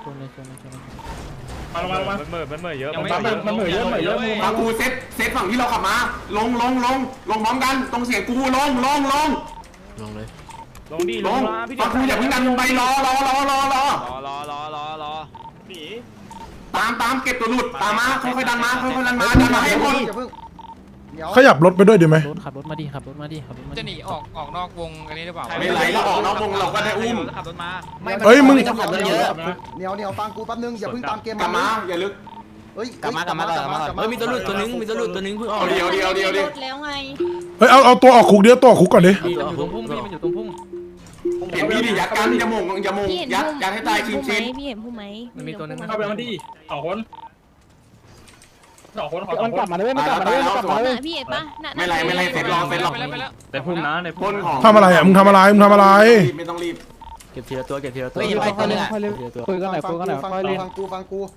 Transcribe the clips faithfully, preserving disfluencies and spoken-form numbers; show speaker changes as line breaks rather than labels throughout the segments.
ชนเลยชนเลยชนเลย
มามามา
มันเหม่อมันเหม่อเยอะ
มันเหม่อเยอะเหม่อเยอะมึง
ฟังกูเซตเซตฝั่งที่เราขับมาลงลงลงลงพร้อมกันตรงเสียงกูลงลงลง
ลงเลย
ลงดิล
ล
ง
ง
มาพี่
ฟังกูอย่าเพิ่งดันไปรอรอรอรอรอ
รอรอรอรอรอหนี
ตามตามเก็บตัวหลุดตามมาค่อยๆดันมาค่อยๆดันมาดันมาให้คน
ขยับรถไปด้วยดีไหม
รถขับรถมาดิขับรถมาดิขับรถมา
จะหนีออกออกนอกวงอันนี้หรือเปล่า
ไม่ไหลเราออกนอกวงเราก็ได้อุ้ม
ขับรถมา
เฮ้ยมึง
ต้องขับรถเยอะ
เหนียวเหนียวฟังกูแป๊บนึงอย่าเพิ่งตามเกม
กลับมาอย่าลึก
เฮ้ย
กลับมากลับมากลับมาเฮ้ยมีตัวหลุดตัวนึงมีตัวหลุดตัวนึงเพิ่งออก
เอาเดียวเดียวเดียวเดียว
แล้วไง
เฮ้ยเอาเอาตัวออกคุกเดียวตัวออกคุกก่อนดิ
มันอยู่ตรงพุ่งพี่มันอยู่ตรงพุ่ง
เห็นมีดิยัดกันอย่ามงอย่ามง
พี่เห็น
ยัด
ผู้
ยัดให้ตายชิงชิน
พี่เห็นผู้ไหม
มันมีตัวนึง
เข้าไปมันดีสองคนสองคนขอสอง
มัน
ค
กลับ
น
มาด้วยมันกลับมาด้วยมันกลับมาด้วย
พี่เห็นปะน่ะ
ไม่ไรไม่ไรเสร็จรอเสร็จรอ
ไปแล้วไปแล้ว
แต่พุ่มนะใน
ค
พุ่ม
นของ
ทำอะไรอ่ะมึงทำอะไรมึงทำอะไร
ไม่ต้องรีบ
เก็บทีละตัวเก็บทีละตัว
เฮ้ยไปตัวนึงอ่ะ
คุยกันหน่อยคุยกันหน่อยฟังกูฟังกูฟังกู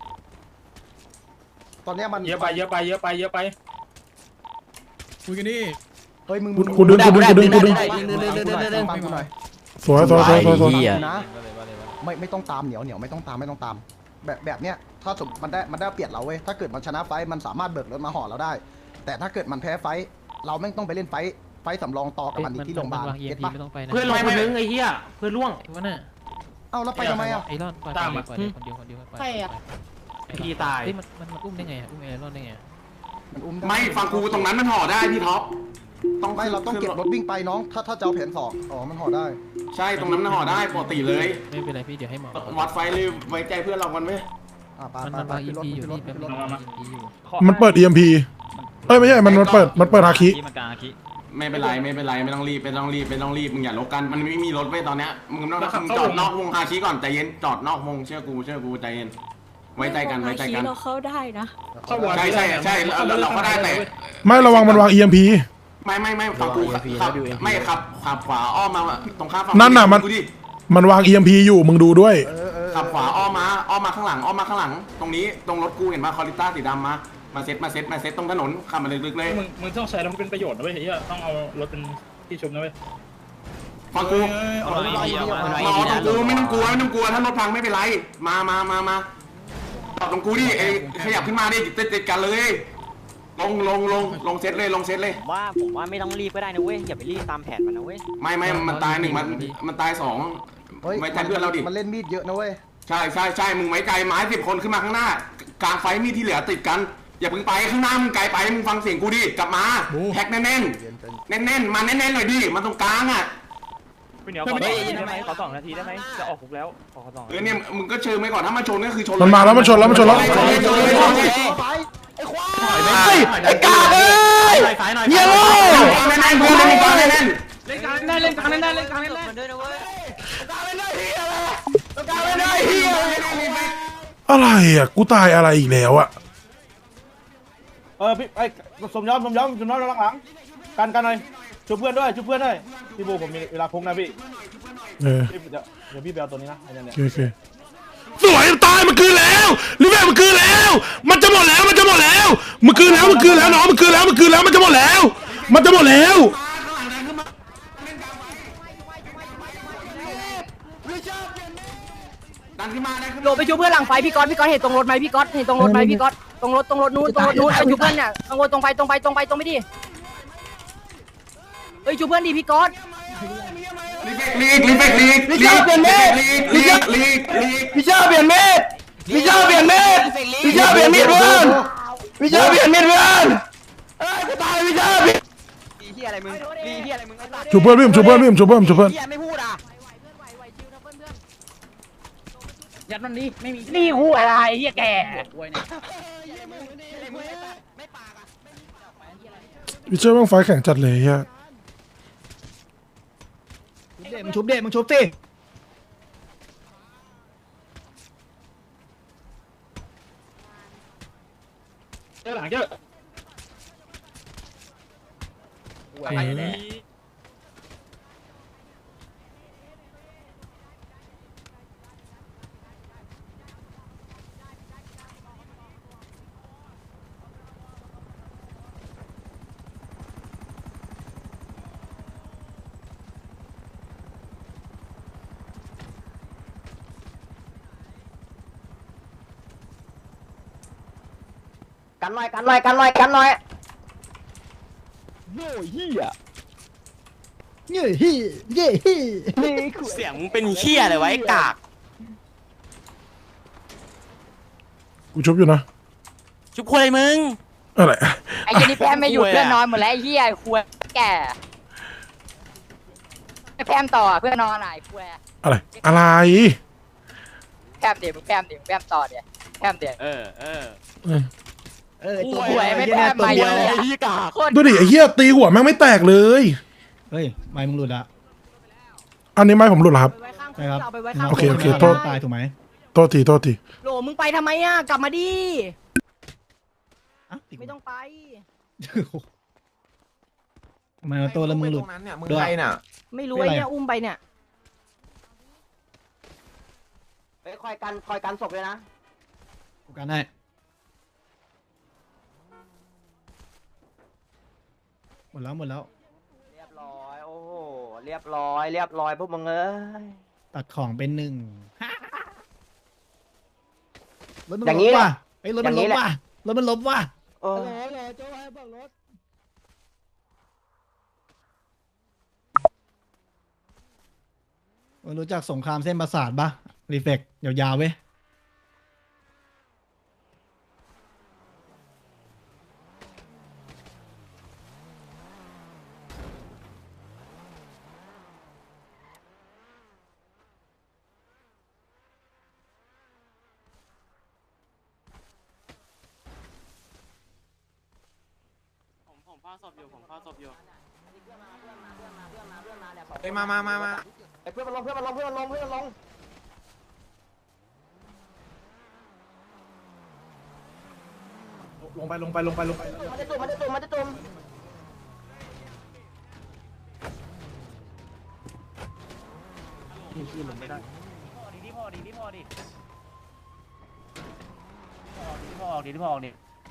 ตอนเนี้ยมัน
เยอะไปเยอะไปเยอะไปเยอะไป
คุยกันดิเฮ้ยมึง
กูดึงกูดึงกูดึงกูดึง
ฟังกูหน่อย
สวยสวยสวยสวยสวย
นะไม่ไม่ต้องตามเหนียวเหนียวไม่ต้องตามไม่ต้องตาม แบบแบบเนี้ยถ้าสมมันได้มันได้เปรียบเราเว้ยถ้าเกิดมันชนะไฟมันสามารถเบิกรถมาห่อเราได้ แต่ถ้าเกิดมันแพ้ไฟเราไม่ต้องไปเล่นไฟไฟสำรองต่อกับมันอีกที่โรงพยาบาล
วางเอ็
เก็
ม
ต
พี
ปะ
ไม่ต้องไปนะ
เพื่อนลงคนนึงไอ้เหี้ยเพื่อนล่วง
วะน่ะ
เอ้าแล้วไปทำไมอ่ะ
ไอรอนปล่อยปล่อยปล่อยคนเดียวคนเดียว
ใครอ่ะ
พี่ตาย
เฮ้ยมันมันอุ้มได้ไงอุ้มไอรอนได้ไง
มันอุ้ม
ไม่ฟังกูตรงนั้นมันห่อได้พี่ท็อปต้อง
ไม่เราต้องเก็บรถวิ่งไปน้องถ้าถ้าจะเอาแผนสองอ๋อมันห่อได้
ใช่ตรงนั้นมันห่อได้ปกติเลย
ไม่เป็นไรพี่เดี๋ยวให้หมอ
วัดไฟเลยไว้ใจเพื่อนเรากันไหม
อ่าไป
มัน
ไป
มัน
ไป
วางเอ็
ขึ้
ม
นรถ
พีอยู่
ขึ้นรถ
พี่
ขึ้นรถ
แป๊บนึงวางเอ็มพีอยู่
มันเปิด อี เอ็ม พี เอ้ยไม่ใช่มันมันเปิดมันเปิดฮาคิ
มันกลางอาคิ
ไม่เป็นไรไม่เป็นไรไม่ต้องรีบไม่ต้องรีบไม่ต้องรีบมึงอย่าลบกันมันไม่มีรถไว้ตอนเนี้ยมึงต้องมึงจอดนอกวงฮาชิก่อนใจเย็นจอดนอกวงเชื่อกูเชื่อกูใจเย็นไว้ใจกันไว้ใจกัน
เราเข้าได้นะ
เข้าวอร์ด
ใช่ใช่ใช่เราเราก็ได้แต่
ไม่ระวังมันวาง อี เอ็ม พี
ไม่ไม่ไม่ฝั่งกูขับไม่ขับขับขวาอ้อมมาตรงข้ามฝั่ง
นั่นน่ะมัน
กูดิ
มันวาง อี เอ็ม พี อยู่มึงดูด้วย
เออเออ
ขับขวาอ้อมมาอ้อมมาข้างหลังอ้อมมาข้างหลัง ตรงนี้ตรงรถกูเห็นป่ะคอริต้าสีดำมามาเซ็ตมาเซ็ตมาเซ็ตตรงถนนขับมาลึกๆเลย
มึงมึงต้องใช้แล้วมันเป็นประโยชน์นะเว้ยเฮียต้องเอารถเป็นที่ชุบนะเว้ย
ฟังกู
เอารถไปเอารถไป
รอตรงกูไม่ต้องกลัวไม่ต้องกลัวถ้ารถพังไม่เป็นไรมามามามาจอดตรงกูดิเอ้ขยับขึ้นมาดิติดติดกันเลยลงลงลงลงเซตเลยลงเซตเลย
ว่าผมว่าไม่ต้องรีบก็ได้นะเว้ยอย่าไปรีบตามแผนมันนะเว้ย
ไม่ไม่มันตายหนึ่งมันมันตายสอง
เฮ้ย
ไว้ใจเพื่อนเราดิ
มันเล่นมีดเยอะนะเว้ย
ใช่ใช่ใช่มึงไว้ใจไม้สิบคนขึ้นมาข้างหน้ากลางไฟมีที่เหลือติดกันอย่าเพิ่งไปข้างหน้ามึงไกลไปมึงฟังเสียงกูดิกลับมาแท็กแน่นแน่นแน่นแน่นมาแน่นแน่นหน่อยดิมาตรงกลางอ่ะ
พี่เหนียวขอสองนาทีได้ไหมขอสองนาทีได้ไหมจะออกคุกแล้วขอสอง
เออเนี่ยมึงก็เชิญไปก่อนถ้ามาชนก็คือชน
มันมาแล้วมันชนแล้วมันชนแล้ว
ชนเลยชนเลยชนเลย
ไอ้กาเอ้ยเยี่ยมเลย
แน่นแน่นเพื่อนแน่นกลางแน่นแน่น
เล่นกลางแน่เล่นกลางแน่เล่นกลางแน่
มันด้วยนะเว้ย
อะไรอ่ะกูตายอะไรอีกแล้วอ่ะ
เออพี่ไอ้สมยอมสมยอมสมยอมหลังๆกันกันหน่อยช่วยเพื่อนด้วยช่วยเพื่อนด้วยพี่บูผมมีเวลาพงนะพี่
เออ
เดี๋ยวเดี๋ยวพี่ไปเอาตัวนี้นะไอ้เนี่ย
โอเคโอเคสวยตายมันคืนแล้วลิเวอร์มันคืนแล้ว มันจะหมดแล้วมันจะหมดแล้วมันคืนแล้วมันคืนแล้วน้องมันคืนแล้วมันคืนแล้วมันจะหมดแล้ว มันจะหมดแล้ว
ดันขึ้นมาดันขึ้น
โหลไปชูเพื่อนหลังไฟพี่ก๊อตพี่ก๊อตเห็นตรงรถไหมพี่ก๊อตเห็นตรงรถไหมพี่ก๊อตตรงรถตรงรถนู้นตรงรถนู้นไปชูเพื่อนเนี่ยตรงรถตรงไปตรงไปตรงไปตรงไปดิเฮ้ยชูเพื่อนดิพี่ก๊อต
ลีกลีกลีกลีกลีกลีกลีกลีกลีก
พี่เจ้าเปลี่ยนมีดพี่เจ้าเปลี่ยนมีดพี่เจ้าเปลี่ยนมีดเพื่อนพี่เจ้าเปลี่ยนมีดเพื่อนเอ้ยกูตายพี่เจ้า
รีที่อะไรมึงรีที่อะไรมึงไอ้สัตว์
ชูเพื่อนพี่ผมชูเพื่อนพี่ผมชูเพื่อนชูเพื่อน
เฮียไม่พูดอ่ะ
ยัดมันดิไม่มี
นี่หูอะไรเฮียแก
พี่เชื่อว่าไฟแข่งจัดเลยฮะ
มึงชุบเด็มึงชุบสิ
เจอหลังเจอ
อะไรเนี่ย
กันหน่อยกันหน่อยกันหน่อยกันหน่อย
โง่เฮียเงี้ยเฮียเงี้ยเฮีย
เสียงมึงเป็นเหี้ยอะไรวะไอ้กาก
กูชุบอยู่นะ
ชุบคุยมึง
อะไร
ไอ้เจนี่แพมไม่หยุดเพื่อนนอนหมดแล้วไอ้เหี้ยควยแก่แพมต่อเพื่อนนอนไหนควย
อะไรอะไร
แพมเดี๋ยวแพมเดี๋ยวแพมต่อเดี๋ยวแพมเดี๋ยว
เออเออ
เออ
เออตัว
หวยไม่แพมมาเยอะเลย
พี่กาก
ดูดิไอ้เหี้ยตีหัวแม่งไม่แตกเลย
เฮ้ยไม่มึงหลุดละ
อันนี้ไม่ผมหลุดเหรอครับ
ใช่ครับ
เอาไปไว้ข้าง
โอเคโอเคโทษ
ตายถูกไหม
โทษทีโทษที
โหลมึงไปทำไมอ่ะกลับมาดิไม่ต้องไป
ทำไมตัวละมึงหลุด
มึงใครน่ะ
ไม่รู้ไอ้เนี่ยอุ้มไปเนี่ยไปคอยกันคอยกันศพเลยนะ
กูกันให้หมดแล้วหมดแล้ว
เรียบร้อยโอ้โหเรียบร้อยเรียบร้อยพวกมึงเอ้ย
ตัดของเป็นหนึ่งรถมัน
อย่างนี้
ล้ม
แหละ
ว่ะไอ้ยรถมัน
อย่างนี้
ล้ม
แหละ
ว่ะรถมันล้มว่ะ
โอ้
มึงรู้จักสงครามเส้นประสาทปะรีเฟกยาวๆเว้ย
ผมผมพ่อศพอยู่ผมพ่อศพอยู่
เฮ้ยมามามามา
ไอ้เพื่อนมันลงเพื่อนมันลงเพื่อนมันลงเพื่อนมันลง
ลงไปลงไปลงไปลงไป
มันจะตุ่มมันจะตุ่มมันจะตุ่ม
ดีพอดีดีพอดีดีพอดีดีพอดี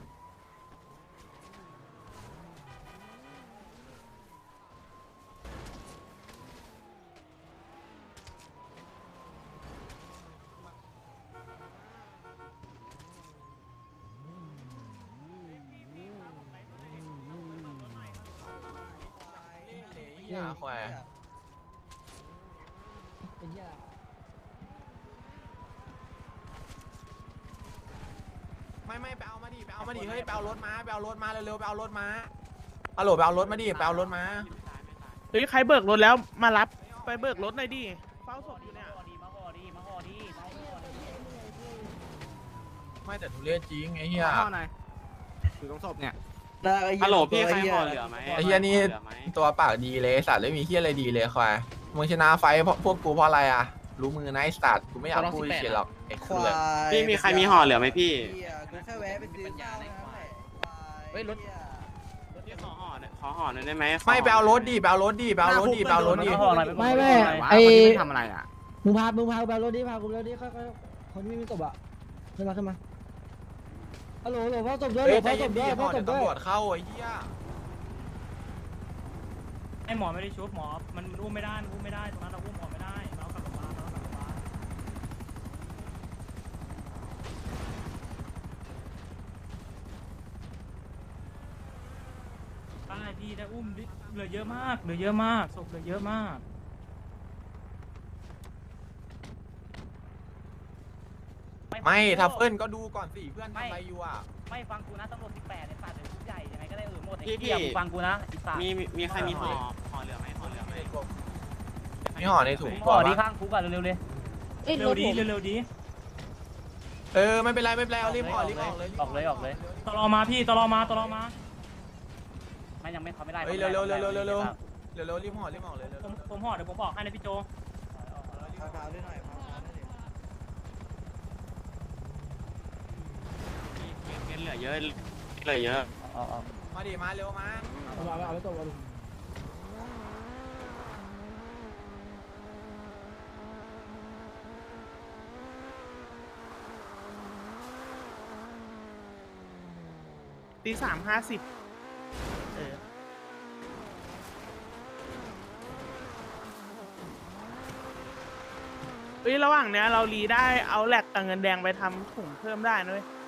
อย่าควายไม่ไม่ไปเอามาดิไปเอามาดิเฮ้ยไปเอารถมาไปเอารถมาเร็วๆไปเอารถมาฮัลโหลไปเอารถมาดิไปเอารถมา
เฮ้ยใครเบิกรถแล้วมารับไปเบิกรถหน่อยดิเฝ้าศพอยู่เนี่ย
มาห่อดีมาห่อดี
ไม่แต่ทุเรศจริงไอ้เหี้ย
อยู่ตรงศพเนี่ย
ฮัลโหลพี่ใครห่อเหลือไหม
ไอ้เหี้ยนี่ตัวปากดีเลยสัตว์ไม่มีเหี้ยอะไรดีเลยควายมึงชนะไฟเพราะพวกกูเพราะอะไรอ่ะรู้มือนะไอ้สัตว์กูไม่อยากพูดเฉยหรอกไอ้คือ
พี่มีใครมีห่อเหลือไหมพี่
กูแค่แวะไปซื้อข้าวนะเฮ้ยรถ
พี่ขอห่อหน่อยขอห่อหน่อยได้ไหม
ไม่ไปเอารถดิไปเอารถดิไปเอารถดิไปเอารถดิ
ไม่ไม่ไอ้
ทำอะไรอ่ะ
มึงพามึงพากูไปเอารถดิพากูไปเอารถดิค่อยๆคนที่ไม่มีศพอ่ะขึ้นมาขึ้นมาฮัลโหลฮัลโหลพ่อศพด้วย
เฮ้ย
พ่
ใจ
อศ
เย็
พ
น
ด้วย
ดิ
พ่
ห่
อ
อ
ศ พด้วย
เดี๋ยวตำรวจเข้าไอ้เหี้ย
ไอหมอไม่ได้ชุบหมอมันอุ้มไม่ได้อุ้มไม่ได้ตรงนั้นเราอุ้มหมอไม่ได้เรากลับมาเรากลับมาได้พี่ได้อุ้มเหลือเยอะมากเหลือเยอะมากศพเหลือเยอะมาก
ไม่ทัฟเฟิลก็ดูก่อนสิเพื่อนทำอะไรอยู่อ่ะ
ไม่ฟังกูนะตำรวจสิบแปดเนี่ยสัตว์เลยชุดใหญ่ยังไงก็ได้เออหมดไอ้เหี้ยมึงฟังกูนะไอ้สัตว์
มีมีใครมีห่อห่อเหลือไหมห่อเหลือไหม
มีห่อในถุง
ห่อดีข้างคุกอ่ะเร็วๆเลยเร็วดีเร็วดี
เออไม่เป็นไรไม่เป็นไรเอารีบห่อรีบออกเลย
ออกเลยออกเลยตลอมาพี่ตลอมาตลอมาไม่ยังไม่เขาไม่ได้
เฮ้ยเร็วเร็วเร็วเร็วเร็วเร็วเร็วเร็วรีบห่อรีบห่อเลยเร็ว
ผมผมห่อเดี๋ยวผมบอกให้นะพี่โจ
ขาวๆด้วยหน่อยขาวๆด้วยดิ
เหลือเยอะเหลือเยอะ
มาดิมาเร็วมา
เอาเอาเอาแล้วตัวเอา
ตีสามห้าสิบเออเฮ้ยระหว่างเนี้ยเรารีได้เอาแหลกกับเงินแดงไปทำถุงเพิ่มได้นะเว้ย